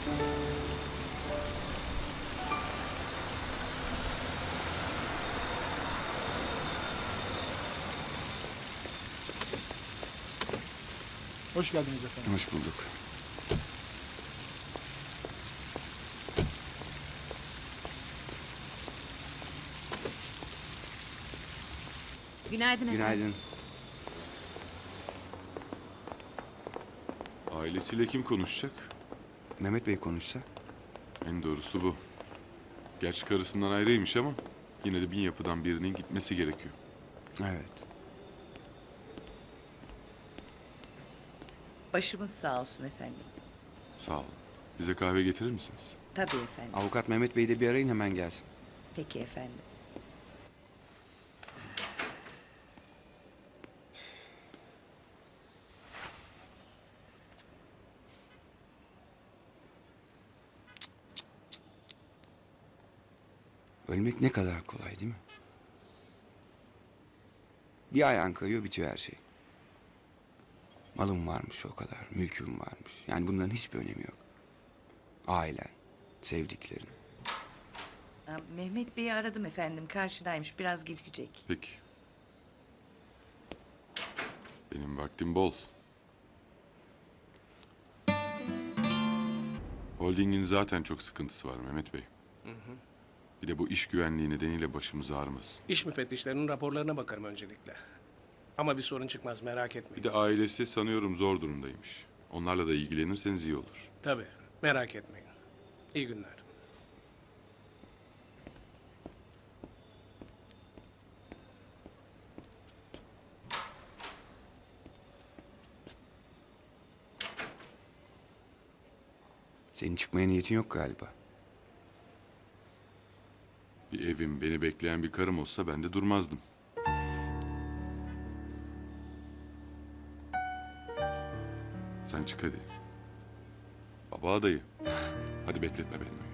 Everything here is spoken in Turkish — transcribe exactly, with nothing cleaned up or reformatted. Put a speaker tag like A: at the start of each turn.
A: Hoş geldiniz efendim.
B: Hoş bulduk.
C: Günaydın efendim.
B: Günaydın.
D: Ailesiyle kim konuşacak?
B: Mehmet Bey konuşsa.
D: En doğrusu bu. Gerçi karısından ayrıymış ama yine de bin yapıdan birinin gitmesi gerekiyor.
B: Evet.
E: Başımız sağ olsun efendim.
D: Sağ olun. Bize kahve getirir misiniz?
E: Tabii efendim.
B: Avukat Mehmet Bey'i de bir arayın, hemen gelsin.
E: Peki efendim.
B: Ölmek ne kadar kolay değil mi? Bir ayağın kayıyor, bitiyor her şey. Malım varmış o kadar, mülküm varmış. Yani bunların hiçbir önemi yok. Ailen, sevdiklerin.
E: Ha, Mehmet Bey'i aradım efendim. Karşıdaymış. Biraz gecikecek.
D: Peki. Benim vaktim bol. Holdingin zaten çok sıkıntısı var Mehmet Bey. Bir de bu iş güvenliği nedeniyle başımız ağrımasın.
F: İş müfettişlerinin raporlarına bakarım öncelikle. Ama bir sorun çıkmaz, merak etmeyin.
D: Bir de ailesi sanıyorum zor durumdaymış. Onlarla da ilgilenirseniz iyi olur.
F: Tabii, merak etmeyin. İyi günler.
B: Senin çıkmaya niyetin yok galiba.
D: Bir evim, beni bekleyen bir karım olsa ben de durmazdım. Sen çık hadi. Baba adayı. Hadi bekletme beni.